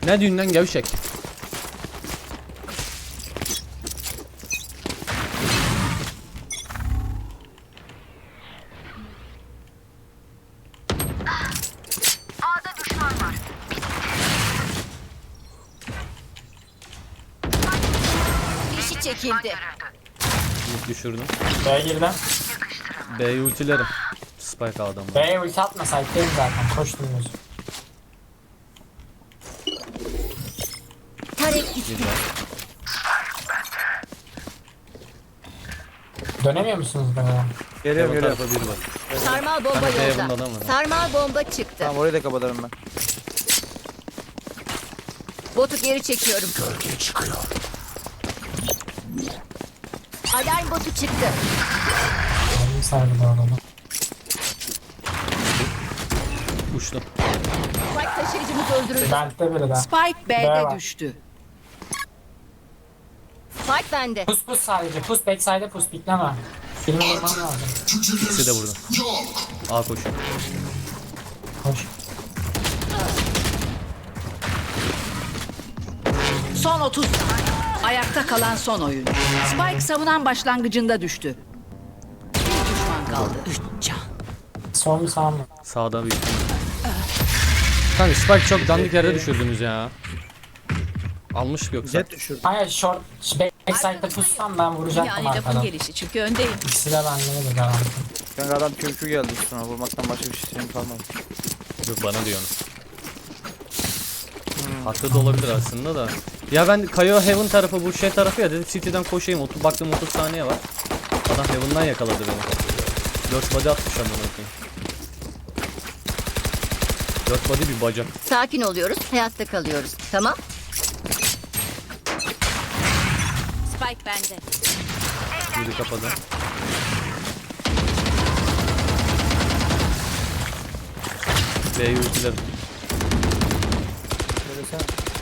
Ne düğünden gevşek. A'da düşman var. Fişi çekildi. Düşürdüm. B'ye girdim. B'yi ultilerim. Spike adamı. B'ye ulti atma, site'deyim zaten. Koştum yüz. Tarek gitti. Güzel. Dönemiyor musunuz B'ye? Geliyorum Bu geliyorum. tarafa bir var. Sarmal bomba Kanka, yolda. Heaven'da adam var. Sarmal bomba çıktı. Tamam orayı da kapatırım ben. Botu geri çekiyorum. Alarm botu çıktı. Aldım sardı bu arada. Uçtum. Spike taşıyıcımız öldürüldü. Vent'te biri de. Spike B B'de var. düştü. Spike bende. Pus sadece. Pus backside'e pus pikleme. Birini vurmam lazım. İkisi de burada. A koşuyor. Koş. Son 30. Ayakta kalan son oyuncu. Spike savunan başlangıcında düştü. Bir düşman kaldı. 3 can. Son mu sağ mı? Sağda büyük. Kanka Spike çok dandik yerde düşürdünüz ya. Almış yoksa. Jet düşürdü. Hayır short. Backside'de pussam ben vuracaktım Yani lafın arkadan. gelişi çünkü öndeyim. İkisi de bende de garanti. Kanka adam kökü geldi üstüne. Vurmaktan başka bir şeyim kalmadı. Yok bana diyorsun. Haklı da olabilir aslında da. Ya ben Kayo Heaven tarafı bu şey tarafı ya dedim City'den koşayım. Baktım 30 saniye var. Adam Heaven'dan yakaladı beni. 4 body atmış amına koyayım. 4 body bir bacak. Sakin oluyoruz. Hayatta kalıyoruz. Tamam. Spike bende. Biri kapadı. B'yi ultiledim. Söylesene.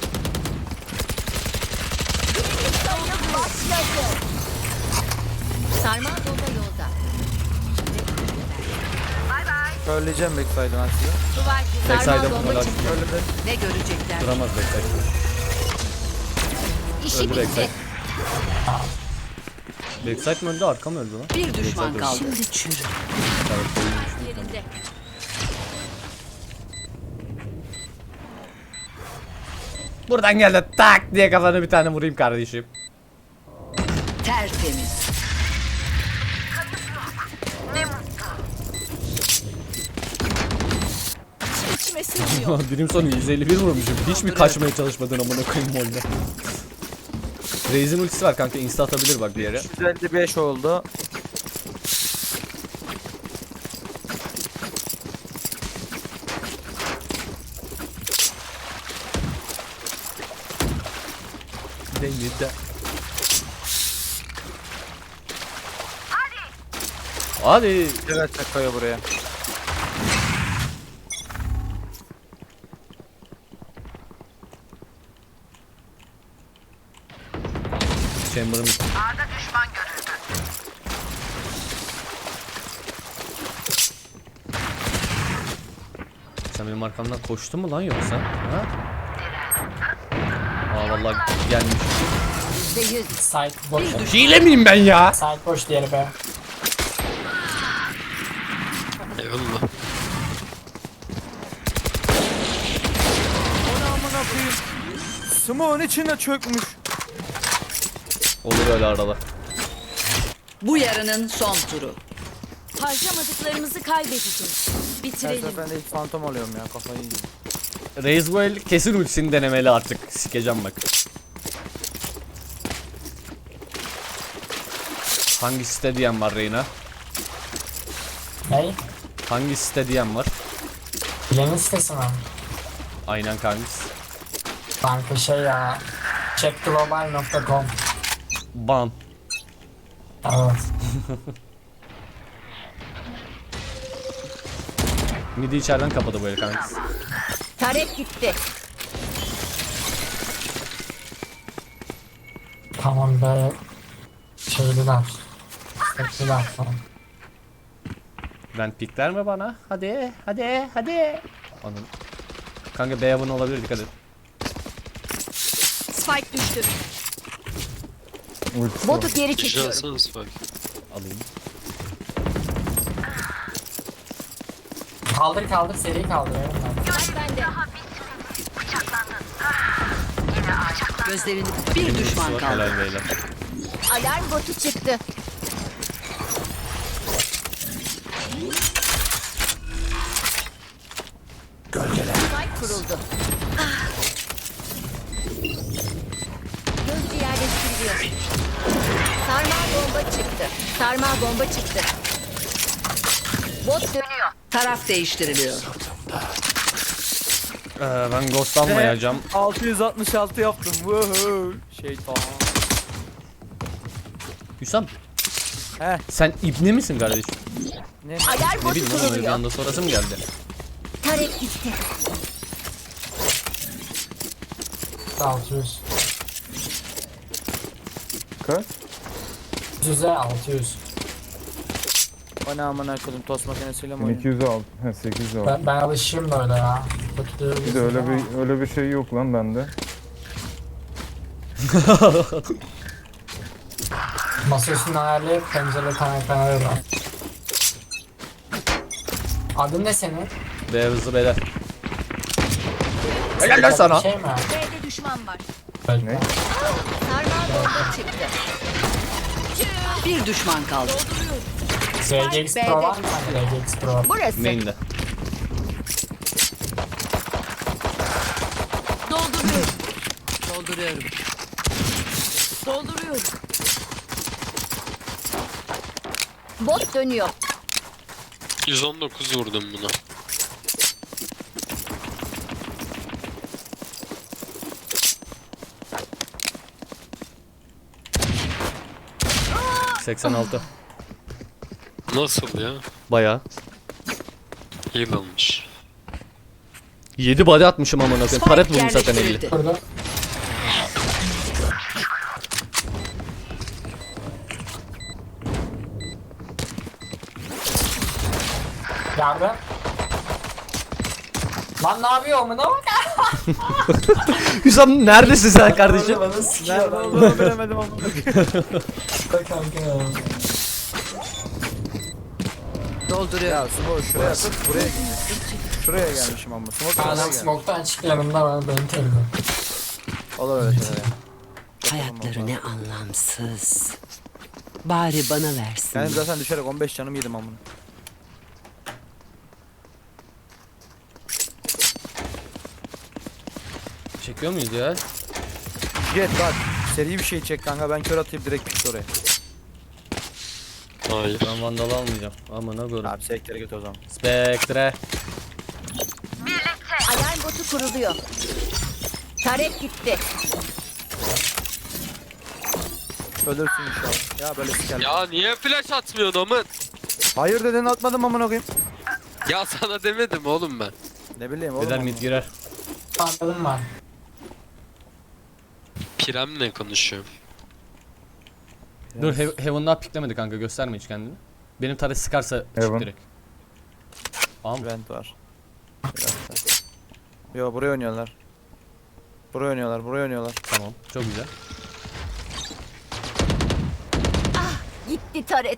Sarmal bomba yolda. Söyleyeceğim backside'ın aslında. Sarmal Backside'e bomba bunlar çıktı. Öyle de. Ne görecekler? duramaz backside. İşi Öldü bitti. backside. Backside mi öldü arka mı öldü lan? Bir düşman Backside kaldı. öldü. Şimdi çürü. Evet, oyunmuş. Yerinde. Buradan geldi tak diye kafana bir tane vurayım kardeşim. Tertemiz. İçime sığmıyor. Birim sonu 151 vurmuşum. Hiç mi kaçmaya çalışmadın amına koyayım molde? Raze'in ultisi var kanka insta atabilir bak bir yere. 155 oldu. Değil de. Hadi. Evet çakıyor buraya. Chamber'ın A'da düşman görüldü. sen benim arkamdan koştun mu lan yoksa? Ha? Aa vallahi gelmiş. %100. Site boş. Hile miyim ben ya? Site boş diğeri B. Onu amına koyayım. Smoke'un içine çökmüş. Olur öyle arada. Bu yarının son turu. Harcamadıklarımızı kaybedeceğiz. Her Bitirelim. seferinde ilk fantom alıyorum ya kafayı yiyorum. Raze bu el kesin ultisini denemeli artık. Sikeceğim bak. Hangi site diyen var Reyna? Ney? Hangi site diyen var? Bilenin sitesi mi? Aynen kankis. Banka şey ya. Checkglobal.com. Ban. Evet. Midi içeriden kapadı bu el kankis. Tarek gitti. Tamam be. Şeyliler. Tekliler falan. Ben pikler mi bana? Hadi hadi hadi. Anladım. Kanka B abone olabilir dikkat et. Spike düştü. Ultisi var. Botu geri Kişi çekiyorum. alsana Spike. Alayım. Kaldır seri kaldır. Spike bende. Gözlerini bir düşman Var, kaldı. helal beyler. Alarm botu çıktı. Spike kuruldu. Gözcü yerleştiriliyor. Sarmal bomba çıktı. Sarmal bomba çıktı. Bot dönüyor. Taraf değiştiriliyor. Ben ghostlanmayacağım. 666 yaptım. Woohoo. Şeytan. Hüsam. He. Sen ibne misin kardeşim? Alarm Ne botu bileyim oğlum öyle bir kuruluyor. anda sorasım geldi. Tarek gitti. 600. Kaç? 100'e 600. O ne amına koydum tost makinesiyle mi oynuyor? 1206. He 806. Ben alışayım böyle ya. Bakıyorum. Bir de öyle bir şey yok lan bende. Masa üstünü ayarlayıp pencere kaynaklarına var. Adın ne senin? Be hızlı beyler. Helal lan sana. Şey mi? B'de düşman var. Bekle. Sarmal bomba çıktı. Bir düşman kaldı. RGX Pro var mı? RGX Pro. Burası. Main'de. Dolduruyorum. Dolduruyorum. Dolduruyorum. Bot dönüyor. 119 vurdum buna. Ah! 86. Nasıl ya? Bayağı. Heal almış. 7 body atmışım amına koyayım. Spike Taret vurmuş zaten 50. yerleştirildi. Burada. Yardım. Lan ne yapıyor amına bak? Hüsam neredesin sen kardeşim? Bana sikiyor Nerede lan. olduğunu bilemedim amına. Bak kanka ya. Dolduruyorum. Ya Smoke şuraya tut buraya gitmişsin. Şuraya gelmişim ama. Smoke buraya Adam gelmiş. smoke'tan çıktı yanımda ben beni terliyor. Olur öyle şeyler ya. Hayatları ne anlamsız. Bari bana versin. Ben zaten düşerek 15 canım yedim amına. Çekiyor muyuz ya? Jet bak. Seri bir şey çek kanka ben kör atayım direkt pişt oraya. Hayır. Ben vandal almayacağım. Amına koyayım. Abi sektere götür o zaman. Spectre. Alarm botu kuruluyor. Tarek gitti. Ölürsün inşallah. Ya böyle siker. Ya niye flash atmıyorsun amın? Hayır dedin atmadım amına koyayım. Ya sana demedim oğlum ben. Ne bileyim oğlum. Beder amına. mid girer. Anladın mı? Pirem'le konuşuyorum. Dur Heaven'dan piklemedi kanka, gösterme hiç kendini. Benim taret sıkarsa çık Heaven. direkt. Am. Vent var. Bir dakika. Yo buraya oynuyorlar. Buraya oynuyorlar, buraya oynuyorlar. Tamam, çok güzel. Gitti taret.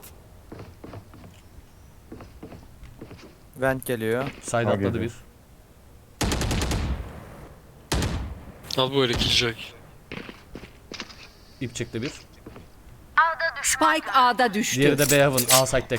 Vent geliyor. Side Ha, atladı geliyor. bir. Al böyle killjoy. İp çekti bir. Spike A'da düştü. Diğeri de B Heaven. A side tek.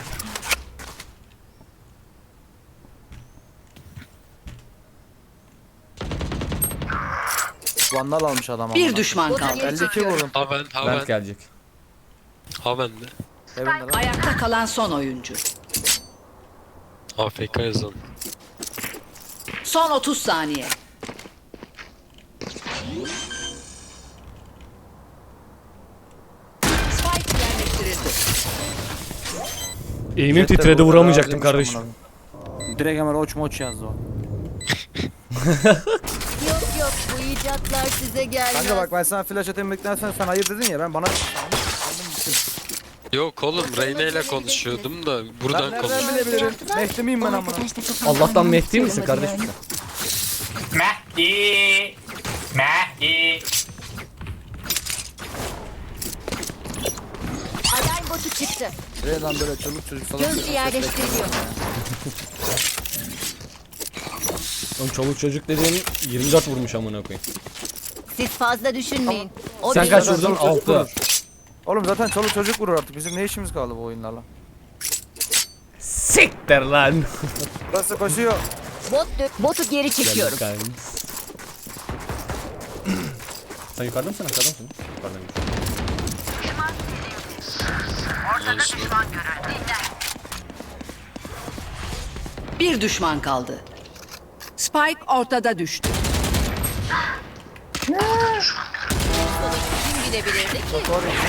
Vandal almış adam Bir amına. düşman kaldı. 52 vurdum. Haven, Vent haven, gelecek. haven de. Heaven'da lan. Ayakta kalan son oyuncu. AFK yazan. Son 30 saniye. Spike yerleştirildi. Eğimim Jet de titredi, burada vuramayacaktım razıymış kardeşim. amına koyayım. Direkt hemen oç moç yazdı o. Yok yok bu icatlar size gelmez. Kanka bak ben sana flash atayım beklersen sen hayır dedin ya ben bana aldım gittim. Yok oğlum Reyna ile konuşuyordum da Ben buradan nereden konuş. bilebilirim? Mehdi miyim ben amına? Allah'tan Mehdi misin kardeşim sen? Mehdi. Mehdi. botu çıktı. Buraya lan böyle çoluk çocuk salak. Gözcü yerleştiriliyor. Oğlum çoluk çocuk dediğin 24 vurmuş amına koyayım. Siz fazla düşünmeyin. O Sen benim. kaç vurdun? Çoluk çocuk 6. vurur. Oğlum zaten çoluk çocuk vurur artık. Bizim ne işimiz kaldı bu oyunlarla? Siktir lan. Burası koşuyor. Botu geri çekiyorum. Geldik kanka. Sen yukarıda mısın? Aşağıda mısın? Yukarıdayım. Olsun. Bir düşman kaldı. Spike ortada düştü. Kim gidebilirdi ki?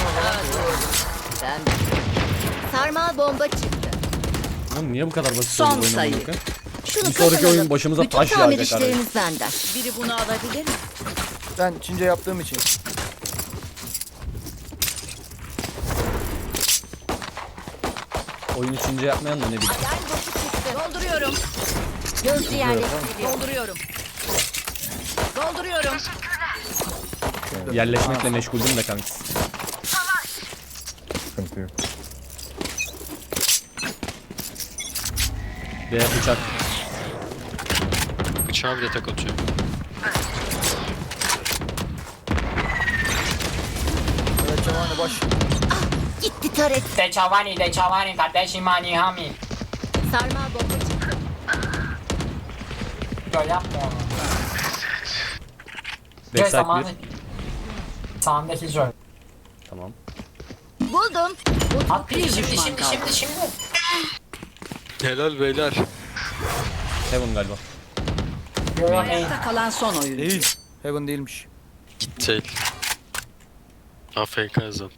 Ben. Sarmal bomba çıktı. Oğlum niye bu kadar basit Son oldu oyun sayı. amına koyayım? Şunu Bir sonraki kazanalım. oyun başımıza Bütün taş tamir yağacak arada. işlerimiz benden. Biri bunu alabilir mi? Ben Çince yaptığım için. Oyun içince yapmayan da ne bileyim. Alarm botu çıktı. Dolduruyorum. Gözcü yerleştiriliyor. Dolduruyorum. Dolduruyorum. Yerleşmekle meşguldüm de kanka. Sıkıntı yok. Ve bıçak. Bıçağı bile tek atıyor. Evet Cemani baş. Gitti taret. De Çavani kardeşim hani hami. Sarmal bomba çıktı. Böyle yapma onu. Joy Backside zamanı. 1. Sağındaki Joy. Tamam. Buldum. At Bir şimdi düşman şimdi kaldı. şimdi. Helal beyler. Heaven galiba. Yo yo Ayakta kalan son oyuncu. Değil. Heaven değilmiş. Gitti. AFK yazan.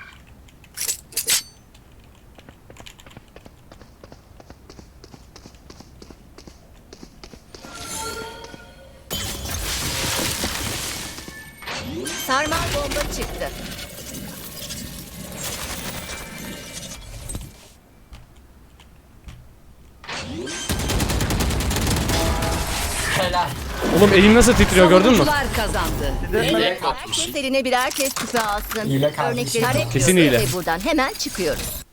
Sarmal bomba çıktı. helal. Oğlum elim nasıl titriyor gördün mü? Savunucular kazandı. Herkes eline birer kez küpe alsın. Hile kardeşim. Örnekleri Kesin bekliyoruz hile. ve buradan hemen çıkıyoruz.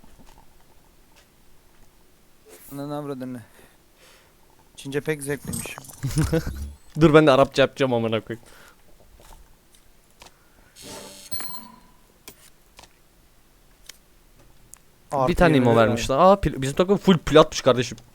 Ne avradın ne? Çince pek zevkliymiş. Dur ben de Arapça yapacağım amına koyayım. Bir tane imo vermişler. Aa bizim takım full platmış kardeşim.